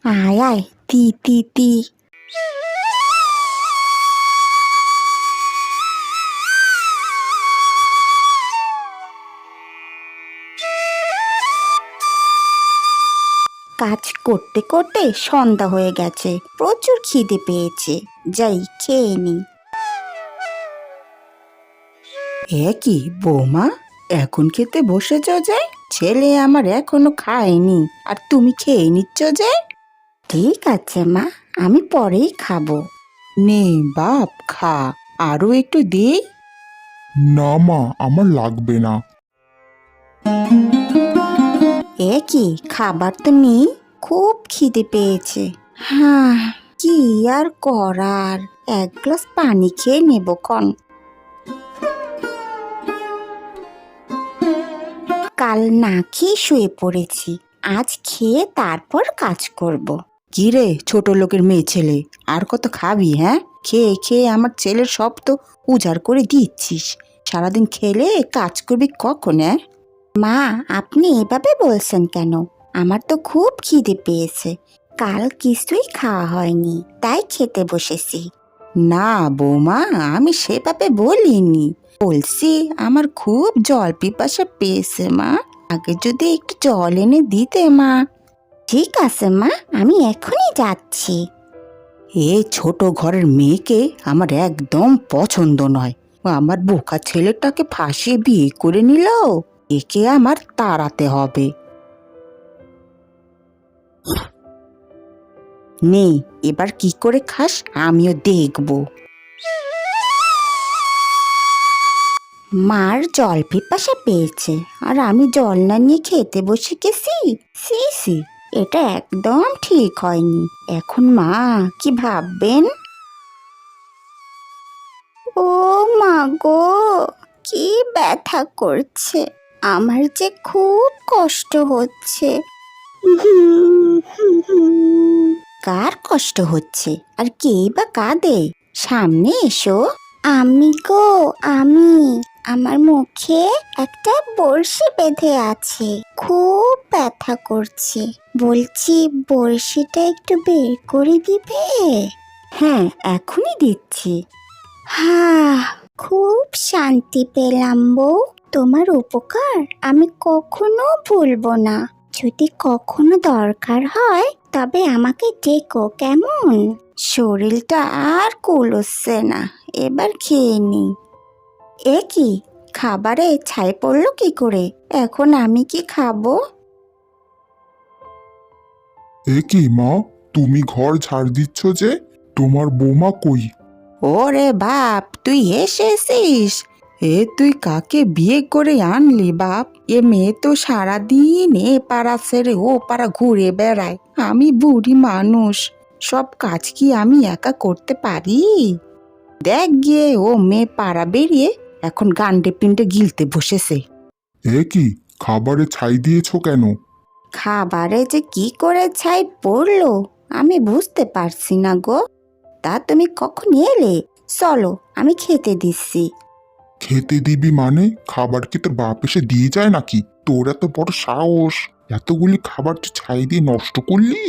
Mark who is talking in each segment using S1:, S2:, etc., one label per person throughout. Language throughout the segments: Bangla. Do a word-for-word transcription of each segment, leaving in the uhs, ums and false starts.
S1: আয় আয়, তি তি তি। কাজ করতে করতে সন্ধ্যা হয়ে গেছে, প্রচুর খিদে পেয়েছে, যাই খেয়ে নি।
S2: এ কি বৌমা, এখন খেতে বসেছ যে? ছেলে আমার এখনো খায়নি আর তুমি খেয়ে নিচ্ছ যে?
S1: ঠিক আছে মা, আমি পরেই খাবো।
S2: নে বাপ, খা, আরো একটু দিই।
S3: না মা, আমার লাগবে না।
S1: এ কি, খাবার তো নেই? খুব খিদে পেয়েছে। হ্যাঁ, কি আর করার, এক গ্লাস পানি খেয়ে নেব ক্ষণ। কাল না খেয়ে শুয়ে পড়েছি, আজ খেয়ে তারপর কাজ করব।
S2: কি রে ছোট লোকের মেয়ে ছেলে, আর কত খাবি? হ্যাঁ, খেয়ে খেয়ে আমার ছেলের সব তো উজাড় করে দিচ্ছিস। সারাদিন খেলে কাজ করবি কখন? হ্যাঁ
S1: মা, আপনি এভাবে বলছেন কেন? আমার তো খুব খিদে পেয়েছে, কাল কিছুই খাওয়া হয়নি, তাই খেতে বসেছি।
S2: না বৌমা, আমি সেভাবে বলিনি, বলছি আমার খুব জল পিপাসা পেয়েছে মা, আগে যদি একটু জল এনে দিতে মা।
S1: ঠিক আছে মা, আমি এখনই যাচ্ছি।
S2: এই ছোট ঘরের মেয়েকে আমার একদম পছন্দ নয়। আমার বোকা ছেলেটাকে ফাঁসিয়ে বিয়ে করে নিল, একে আমার তাড়াতে হবে। নে, এবার কি করে খাস আমিও দেখব।
S1: মার জল পিপাসা পেয়েছে আর আমি জল না নিয়ে খেতে বসে গেছি। সি সি, এটা একদম ঠিক হয়নি। এখন মা কি ভাববেন? ও মা গো, কি ব্যথা করছে, আমার যে খুব কষ্ট হচ্ছে। কার কষ্ট হচ্ছে আর কে বা কাঁদে? সামনে এসো। আমি গো, আমি। আমার মুখে একটা বড়শি বেঁধে আছে, খুব ব্যথা করছে। বলছি বড়শিটা একটু বের করে দিবে? হ্যাঁ, এখনই দিচ্ছি। হ্যাঁ, খুব শান্তি পেলাম বউ, তোমার উপকার আমি কখনো ভুলবো না। যদি কখনো দরকার হয় তবে আমাকে ডেকো, কেমন? শরীরটা আর কুলোচ্ছে না, এবার খেয়ে নি। এ কি, খাবারে ছাই পড়লো কি করে? এখন আমি কি খাবো?
S3: এ কি মা, তুমি ঘর ঝাড় দিচ্ছ যে? তোমার বৌমা কই?
S2: ওরে বাপ, তুই এসেছিস? এ তুই কাকে বিয়ে করে আনলি বাপ? এ মেয়ে তো সারাদিন এ পাড়া ছেড়ে ও পাড়া ঘুরে বেড়ায়। আমি বুড়ি মানুষ, সব কাজ কি আমি একা করতে পারি? দেখ গিয়ে, ও মেয়ে পাড়া বেরিয়ে এখন গান্ডে পিণ্ডে গিলতে বসেছে।
S3: এ কি, খাবারে ছাই দিয়েছো কেন?
S1: খাবারে যে কি করে ছাই পড়লো আমি বুঝতে পারছি না গো। তা তুমি কখন এলে? চলো, আমি খেতে দিচ্ছি।
S3: খেতে দিবি মানে? খাবার কি তোর বাপ এসে দিয়ে যায় নাকি? তোর এত বড় সাহস, এতগুলি খাবার তুই ছাই দিয়ে নষ্ট করলি?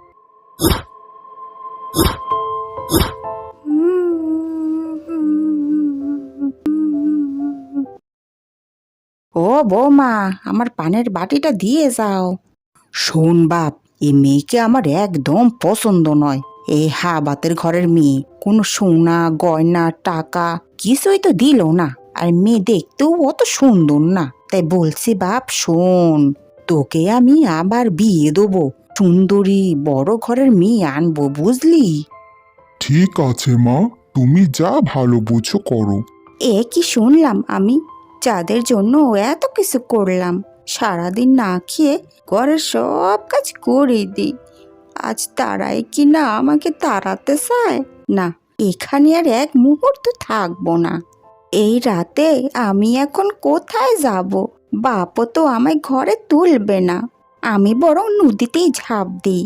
S2: ও বৌমা, আমার পানের বাটিটা দিয়ে যাও। শোন বাপ, এ মেয়েকে আমার একদম পছন্দ নয়। এই হাবাতের ঘরের মেয়ে, কোনো সোনা গয়না টাকা কিছুই তো দিল না, আর মেয়ে দেখতেও অত সুন্দর না। তাই বলছি বাপ শোন, তোকে আমি আবার বিয়ে দেবো, সুন্দরী বড় ঘরের মেয়ে আনবো, বুঝলি?
S3: ঠিক আছে মা, তুমি যা ভালো বুঝো করো।
S1: এ কি শুনলাম আমি, যাদের জন্য এত কিছু করলাম, সারাদিন না খেয়ে ঘরের সব কাজ করে দিই, আজ তারাই কি না আমাকে তাড়াতে চায়? না, এখানে আর এক মুহূর্ত থাকবো না। এই রাতে আমি এখন কোথায় যাব? বাপও তো আমায় ঘরে তুলবে না, আমি বরং নদীতেই ঝাঁপ দিই।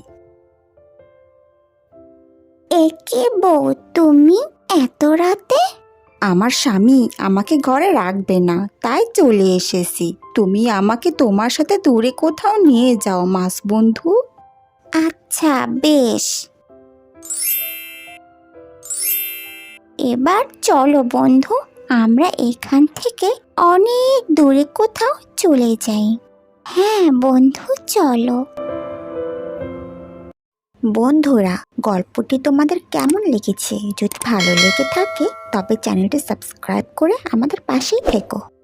S1: একে বউ, তুমি এত রাতে? আমার স্বামী আমাকে ঘরে রাখবে না, তাই চলে এসেছি। তুমি আমাকে তোমার সাথে দূরে কোথাও নিয়ে যাও মাস বন্ধু। আচ্ছা আচ্ছা বেশ, এবার চলো বন্ধু, আমরা এখান থেকে অনেক দূরে কোথাও চলে যাই। হ্যাঁ বন্ধু চলো। বন্ধুরা, গল্পটি তোমাদের কেমন লেগেছে? যদি ভালো লেগে থাকে তবে চ্যানেলটি সাবস্ক্রাইব করে আমাদের পাশেই থেকো।